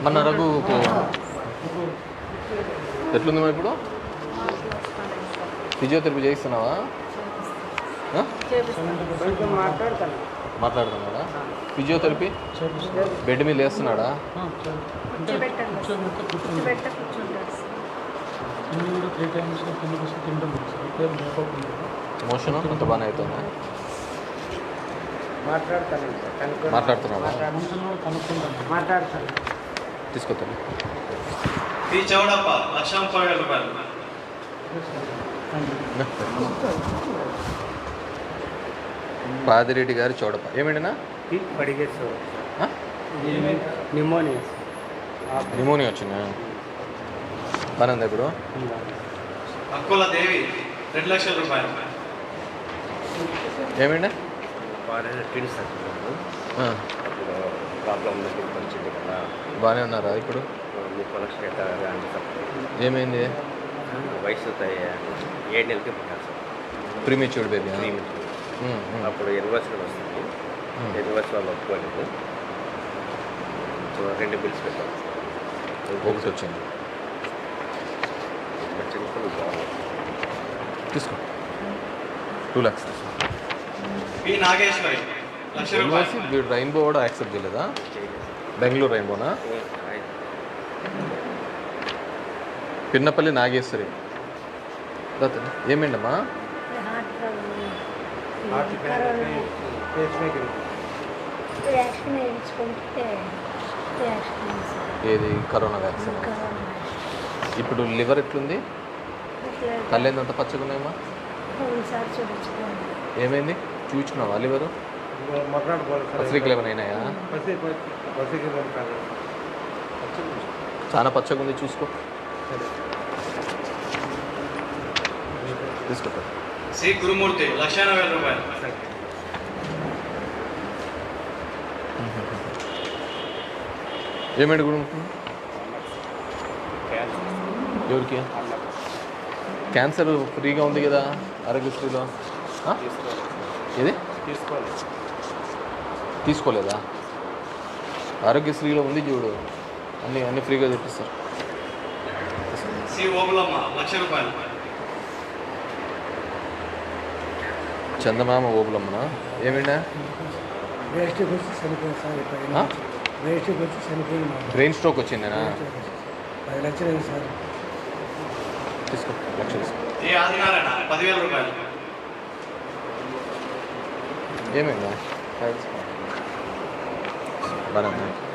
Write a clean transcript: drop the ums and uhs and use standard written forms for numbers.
మన రఘుకు ఎట్లుంది మరి ఇప్పుడు? ఫిజియోథెరపీ చేయిస్తున్నావా? మాట్లాడుతున్నాడా? ఫిజియోథెరపీ బెడ్ మీద వేస్తున్నాడా? మోషన్ అంత బాగానే అవుతుందా? మాట్లాడుతున్నాడా? తీసుకొస్తాను. పాదిరెడ్డి గారి చౌడప్ప ఏమిటనా? నిమోనియా వచ్చిందా? బాగా ఉందా ఇప్పుడు? అక్కుల దేవి 2 లక్షల రూపాయలు. ఏమిటా? బాగానే ఉన్నారా ఇప్పుడు? ఏమైంది? వయసు 7 నెలలకి పుట్టారు. Prematured baby. అప్పుడు యూనివర్సిటీ వస్తుంది. యూనివర్సిటీ వాళ్ళు ఒప్పుకోలేదు. 2 బిల్స్ పెట్టారు. ఒకటి వచ్చింది. తీసుకో 2 lakhs. వీడు రైన్బో కూడా యాక్సెప్ట్ చేయలేదా? బెంగళూరు రైన్బోనా? పిన్నపల్లి నాగేశ్వరి. ఏమేంటమ్మా? ఏది? Corona vaccine. ఇప్పుడు లివర్ ఎట్లుంది? కళ్ళేందంత పచ్చగా ఉన్నాయమ్మా? ఏమైంది? చూపించుకున్నావా లివరు? పత్రికలు ఏమైనా అయినాయా? చాలా పచ్చగా ఉంది, చూసుకో. తీసుకుంటా. శ్రీ గురుమూర్తి 1,90,000 రూపాయలు. ఏమేంటి గురుమూర్తి? ఎవరికి? క్యాన్సర్ ఫ్రీగా ఉంది కదా ఆరోగ్యశ్రీలో? ఏది తీసుకోలేదా? ఆరోగ్యశ్రీలో ఉంది చూడు, అన్ని ఫ్రీగా చూపిస్తారు. శ్రీ ఓబులమ్మ 1,00,000 రూపాయలు. చందమామ ఓబులమ్మనా? ఏమైనా? Brain stroke వచ్చిందేనా? 10 లక్షలు సార్. తీసుకో, 1 లక్ష తీసుకో. ఏ ఆదినారాయణ 10,000 రూపాయలు. ఏమైందా? బాగా